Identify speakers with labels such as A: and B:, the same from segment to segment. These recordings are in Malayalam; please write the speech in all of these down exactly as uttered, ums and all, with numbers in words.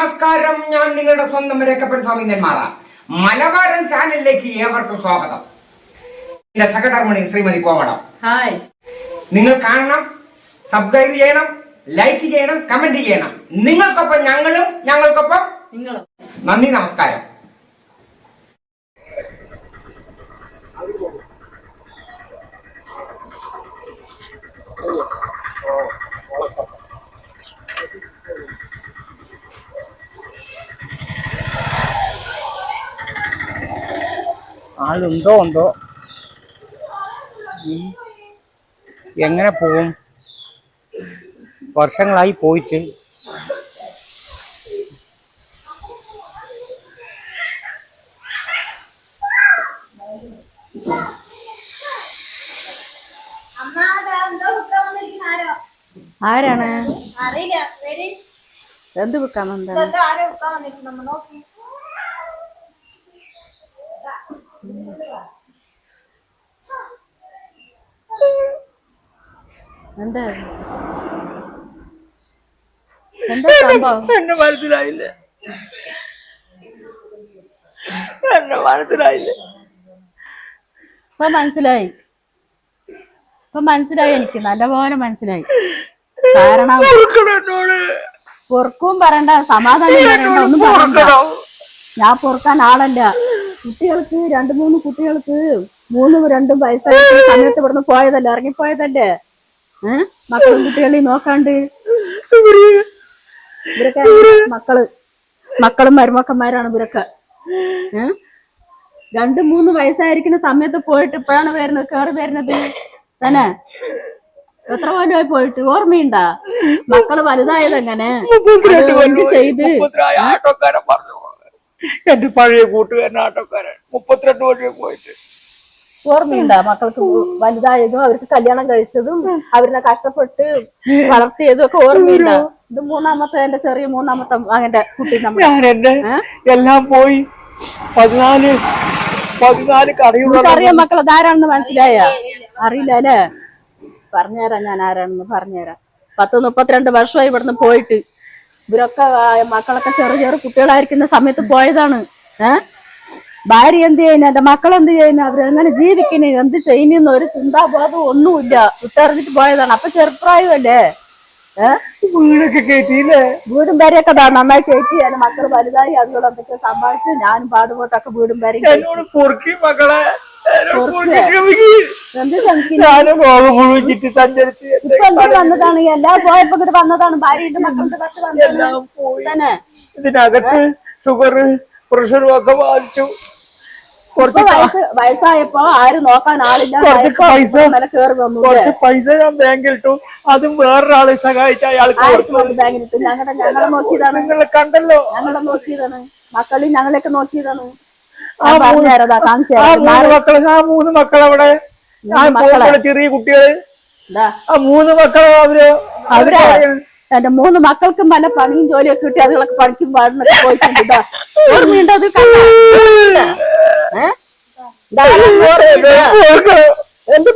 A: നമസ്കാരം. ഞാൻ നിങ്ങളുടെ സ്വന്തം രേഖപ്പൻ സ്വാമി നെന്മാറ. മലബാരൻ ചാനലിലേക്ക് ഏവർക്കും സ്വാഗതം. എന്റെ സഹധർമ്മിണി ശ്രീമതി കോമളം.
B: ഹായ്.
A: നിങ്ങൾ കാണണം, സബ്സ്ക്രൈബ് ചെയ്യണം, ലൈക്ക് ചെയ്യണം, കമന്റ് ചെയ്യണം. നിങ്ങൾക്കൊപ്പം ഞങ്ങളും, ഞങ്ങൾക്കൊപ്പം
B: നിങ്ങളും.
A: നന്ദി, നമസ്കാരം.
C: ആളുണ്ടോ ഉണ്ടോ എങ്ങനെ പോവും? വർഷങ്ങളായി പോയിട്ട്.
B: ആരാണ്?
D: അറിയില്ല.
B: എന്ത് വിൽക്കാൻ വന്നത്? എന്താ എന്താ സംഭവം?
C: എന്നെ മനസ്സിലായില്ല, എന്നെ മനസ്സിലായില്ല.
B: ഇപ്പൊ മനസ്സിലായി, ഇപ്പൊ മനസ്സിലായി. എനിക്ക് നല്ലപോലെ മനസ്സിലായി. കാരണം പൊറുക്കും പറയണ്ട, സമാധാനം പറയണ്ട, ഒന്നും പറയണ്ട. ഞാൻ പൊറുക്കാൻ ആളല്ല. കുട്ടികൾക്ക് രണ്ടു മൂന്ന് കുട്ടികൾക്ക് മൂന്നും രണ്ടും വയസ്സായ സമയത്ത് ഇവിടുന്ന് പോയതല്ലേ, ഇറങ്ങിപ്പോയതല്ലേ. ഏഹ് മക്കളും കുട്ടികളെയും നോക്കാണ്ട് ഇവരൊക്കെ മക്കള് മക്കളും മരുമക്കന്മാരാണ് ഇവരൊക്കെ. ഏഹ് രണ്ടു മൂന്ന് വയസ്സായിരിക്കുന്ന സമയത്ത് പോയിട്ട് ഇപ്പോഴാണ് വരുന്നത്, കയറി വരുന്നത് തന്നെ. എത്ര കൊല്ലമായി പോയിട്ട് ഓർമ്മയുണ്ടാ? മക്കള് വലുതായത് എങ്ങനെ ചെയ്ത്?
C: എന്റെ പഴയ കൂട്ടുകാരൻ ആട്ടോക്കാരൻ മുപ്പത്തിരണ്ട് വർഷം പോയിട്ട്
B: ഓർമ്മയുണ്ടാ? മക്കൾക്ക് വലുതായതും അവർക്ക് കല്യാണം കഴിച്ചതും അവരിനെ കഷ്ടപ്പെട്ട് വളർത്തിയതും ഒക്കെ ഓർമ്മയുണ്ടാ? ഇത് മൂന്നാമത്തെ, എന്റെ ചെറിയ മൂന്നാമത്തെ മകന്റെ കുട്ടി.
C: ഞാൻ എന്റെ എല്ലാം പോയി പതിനാല് പതിനാല്
B: അറിയാം മക്കൾ അതാരാണെന്ന് മനസ്സിലായ? അറിയില്ല അല്ലേ? പറഞ്ഞുതരാം, ഞാൻ ആരാണെന്ന് പറഞ്ഞുതരാം. പത്ത് മുപ്പത്തിരണ്ട് വർഷമായി ഇവിടുന്ന് പോയിട്ട്. ഇവരൊക്കെ മക്കളൊക്കെ ചെറു ചെറു കുട്ടികളായിരിക്കുന്ന സമയത്ത് പോയതാണ്. ഏഹ് ഭാര്യ എന്ത് ചെയ്യുന്നു, എന്റെ മക്കൾ എന്ത് ചെയ്യുന്നു, അവരെങ്ങനെ ജീവിക്കുന്നു, എന്ത് ചെയ്യുന്ന ഒരു ചിന്താബോധം ഒന്നുമില്ല. വിട്ടെറിഞ്ഞിട്ട് പോയതാണ്. അപ്പൊ ചെറുപ്രായമല്ലേ. ഏഹ്
C: വീടൊക്കെ കയറ്റിയില്ലേ?
B: വീടും പേരെയൊക്കെ നന്നായി കയറ്റി. എന്റെ മക്കൾ വലുതായി, അതുകൊണ്ട് എന്തൊക്കെ സമ്പാദിച്ച് ഞാനും പാടുപോട്ടൊക്കെ വീടും പേരെയും
C: മക്കളെ
B: എന്ത് വന്നതാണ്. എല്ലാം പോയപ്പോ ഇങ്ങോട്ട് വന്നതാണ്. ഭാര്യയുടെ മക്കളുടെ തന്നെ.
C: ഇതിനകത്ത് ഷുഗർ പ്രഷറും ഒക്കെ ബാധിച്ചു.
B: കുറച്ച് വയസ്സ് വയസ്സായപ്പോ ആരും നോക്കാൻ ആളില്ല.
C: പൈസ കുറച്ച് പൈസ ഞാൻ ബാങ്കിലിട്ടു. അതും വേറൊരാളെ സഹായിച്ച അയാൾക്ക്
B: ബാങ്കിലിട്ടു. ഞങ്ങളുടെ ഞങ്ങളെ നോക്കിയതാണ്.
C: നിങ്ങളെ കണ്ടല്ലോ,
B: ഞങ്ങളെ നോക്കിയതാണ്. മക്കളി ഞങ്ങളെയൊക്കെ നോക്കിയതാണ്.
C: ആ മൂന്ന് മക്കള് ആ മൂന്ന് മക്കളവിടെ ചെറിയ കുട്ടികള് ആ മൂന്ന് മക്കളെ അവര്
B: അവര് എന്റെ മൂന്ന് മക്കൾക്കും പല പണിയും ജോലിയൊക്കെ കിട്ടി. അതുകളൊക്കെ പഠിക്കും പാടുന്നൊക്കെ പോയിട്ടുണ്ട്. ഓർമ്മയുണ്ട്? അത് എന്ത്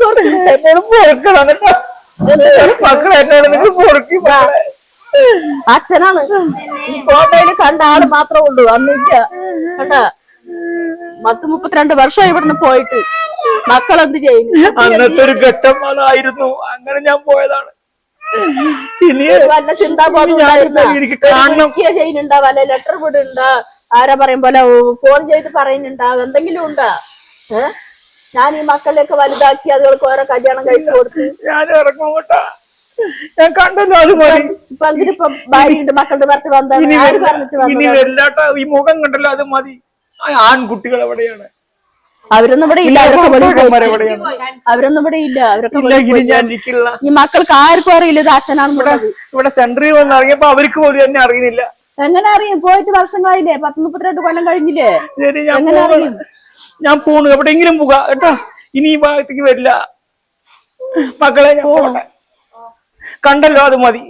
B: അച്ഛനാണ് ഈ ഫോട്ടോയില് കണ്ട ആള് മാത്രമേ ഉള്ളൂ, അന്നില്ല കേട്ടാ. പത്ത് മുപ്പത്തിരണ്ട് വർഷം ഇവിടുന്ന് പോയിട്ട് മക്കളെന്ത് ചെയ്യുന്നു?
C: അന്നത്തെ ഒരു ഘട്ടം അതായിരുന്നു. അങ്ങനെ ഞാൻ പോയതാണ്. ഇനി
B: വല്ല ചിന്താബോധം ചെയ്യുന്നുണ്ടാ? വല്ല ലെറ്റർ വിടുണ്ടാ? ആരാ പറയും പോലെ ഫോൺ ചെയ്ത് പറയുന്നുണ്ടാ? എന്തെങ്കിലും ഉണ്ടാ? ഏഹ് ഞാൻ ഈ മക്കളെയൊക്കെ വലുതാക്കി അതുകൾക്ക് ഓരോ കല്യാണം കഴിച്ചു കൊടുത്ത്
C: ഞാൻ ഇറങ്ങോട്ടാ. ഞാൻ കണ്ടല്ലോ, അത് മതി.
B: ഇപ്പൊ എന്തിനിപ്പൊ ഭാര്യയുണ്ട്, മക്കളുടെ ഭർത്ത് വന്നത് ആര് പറഞ്ഞിട്ട്?
C: ഇനി വരില്ലാട്ടാ, ഈ മുഖം കണ്ടല്ലോ, അത് മതി. ആൺകുട്ടികൾ എവിടെയാണ്?
B: അവരൊന്നും ഇവിടെ ഇല്ല. അവരൊന്നും ഇവിടെ ഇല്ല. അവരൊക്കെ ഈ മക്കൾക്ക് ആർക്കും അറിയില്ല ഇത് അച്ഛനാണ്.
C: ഇവിടെ സെന്ററിൽ വന്ന് ഇറങ്ങിയപ്പോ അവർക്ക് പോലും എന്നെ അറിയുന്നില്ല.
B: എങ്ങനെ അറിയും? പോയിട്ട് വർഷങ്ങളായില്ലേ, പത്ത് മുപ്പത്തിരണ്ട് കൊല്ലം കഴിഞ്ഞില്ലേ.
C: ഞാൻ പോണു, എവിടെയെങ്കിലും പോകാം കേട്ടോ. ഇനി ഈ ഭാഗത്തേക്ക് വരില്ല. മക്കളെ ഞാൻ പോട്ടെ, കണ്ടല്ലോ, അത് മതി.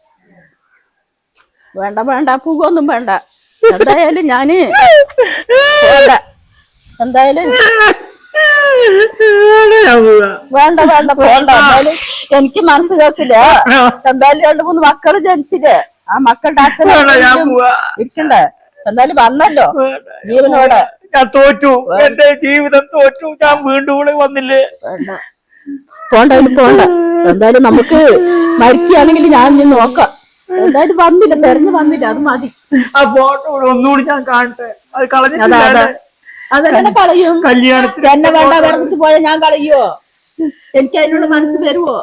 B: വേണ്ട വേണ്ട, പൂകൊന്നും വേണ്ട. എന്തായാലും ഞാന് എന്തായാലും വേണ്ട വേണ്ട പോണ്ട. എന്തായാലും എനിക്ക് മനസ്സ് കേൾക്കില്ല. എന്തായാലും രണ്ടു മൂന്ന് മക്കള് ജനിച്ചില്ലേ, ആ മക്കളുടെ അച്ഛനെ
C: ഞാൻ പോവാ.
B: ഇരിക്കണ്ടേ? എന്തായാലും വന്നല്ലോ ജീവനോടെ.
C: ഞാൻ തോറ്റു, എന്റെ ജീവിതം തോറ്റു. ഞാൻ വീണ്ടും ഇവിടെ വന്നില്ലേ?
B: വേണ്ട, പോണ്ടായാലും പോണ്ട. എന്തായാലും നമുക്ക് മരിക്കുകയാണെങ്കിൽ ഞാൻ ഇനി നോക്കാം. എന്തായാലും വന്നില്ല, തെരഞ്ഞു വന്നില്ല, അത് മതി.
C: ആ ഫോട്ടോ ഒന്നുകൂടി ഞാൻ കാണട്ടെ. അത്
B: അതാ
C: കളഞ്ഞിട്ടില്ല.
B: അതാ അതെങ്ങനെ കളയും?
C: കല്യാണത്തിന്
B: എന്നെ വേണ്ട പറഞ്ഞിട്ട് പോയാൽ ഞാൻ കളയോ? എനിക്ക് അതിനുള്ള മനസ്സ് വരുവോ?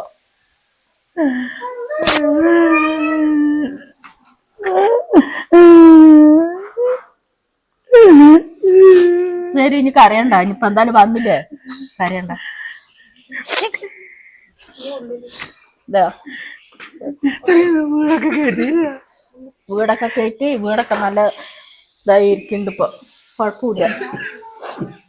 B: ശരി, ഇനി കരയണ്ട. ഇനിയിപ്പൊ എന്തായാലും വന്നില്ലേ, കരയണ്ട. ഇതാ
C: വീടൊക്കെ കേട്ടില്ല.
B: വീടൊക്കെ കയറ്റി, വീടൊക്കെ നല്ല ഇതായി ഇരിക്കുന്നുണ്ട് ഇപ്പൊ, കുഴപ്പമില്ല.